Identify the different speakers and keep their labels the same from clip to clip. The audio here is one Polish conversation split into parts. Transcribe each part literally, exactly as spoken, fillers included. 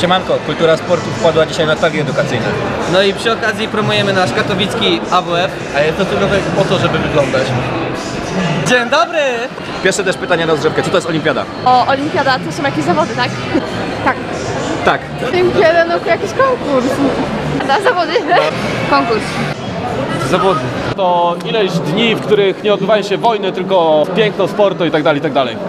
Speaker 1: Siemanko, kultura sportu wpadła dzisiaj na targi edukacyjne.
Speaker 2: No i przy okazji promujemy nasz katowicki A W F.
Speaker 3: A jest to tylko tak po to, żeby wyglądać.
Speaker 2: Dzień dobry!
Speaker 1: Pierwsze też pytanie na rozgrzewkę, co to jest olimpiada?
Speaker 4: O, olimpiada to są jakieś zawody, tak? Tak.
Speaker 1: Tak.
Speaker 4: Olimpiada, no jakiś konkurs. Da, zawody? Konkurs.
Speaker 3: Zawody. To ileś dni, w których nie odbywają się wojny, tylko piękno sportu i tak dalej, i tak dalej.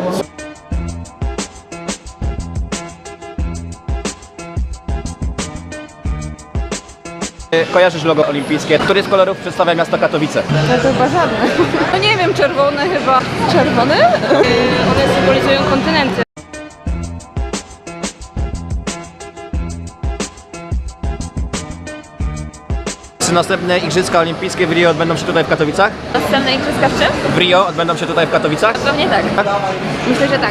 Speaker 1: Kojarzysz logo olimpijskie? Który z kolorów przedstawia miasto Katowice?
Speaker 4: No to chyba żadne. No nie wiem, czerwone chyba. Czerwony? One symbolizują kontynenty.
Speaker 1: Czy następne Igrzyska Olimpijskie w Rio odbędą się tutaj w Katowicach?
Speaker 4: Następne igrzyska w czym?
Speaker 1: W Rio odbędą się tutaj w Katowicach?
Speaker 4: Pewnie tak. Myślę, że tak.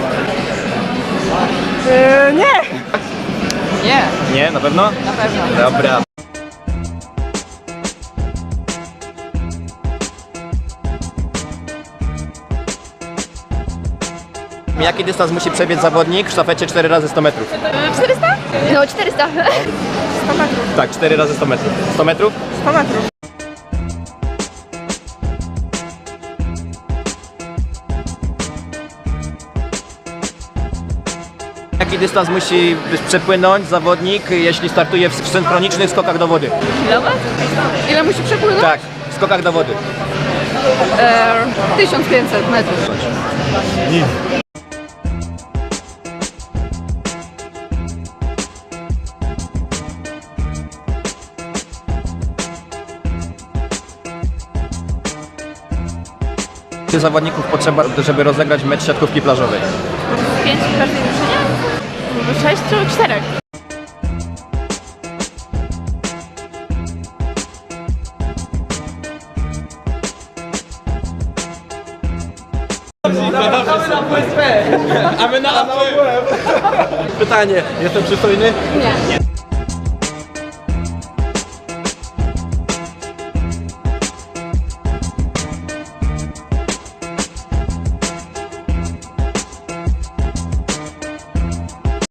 Speaker 4: nie! Nie,
Speaker 1: Nie, na pewno?
Speaker 4: na pewno.
Speaker 1: Dobra. Jaki dystans musi przebiec zawodnik w sztafecie cztery razy sto metrów?
Speaker 4: czterysta? No, czterysta. sto metrów.
Speaker 1: Tak, cztery razy sto metrów. sto metrów?
Speaker 4: sto metrów.
Speaker 1: Jaki dystans musi przepłynąć zawodnik, jeśli startuje w synchronicznych skokach do wody?
Speaker 4: Kilometr? Ile musi przepłynąć?
Speaker 1: Tak, w skokach do wody.
Speaker 4: Eee, tysiąc pięćset metrów.
Speaker 1: Ile zawodników potrzeba, żeby rozegrać mecz siatkówki plażowej?
Speaker 4: Pięć w każdej drużynie? Sześć czy czterech?
Speaker 3: A my na A W F. Pytanie, jestem przystojny?
Speaker 4: Nie.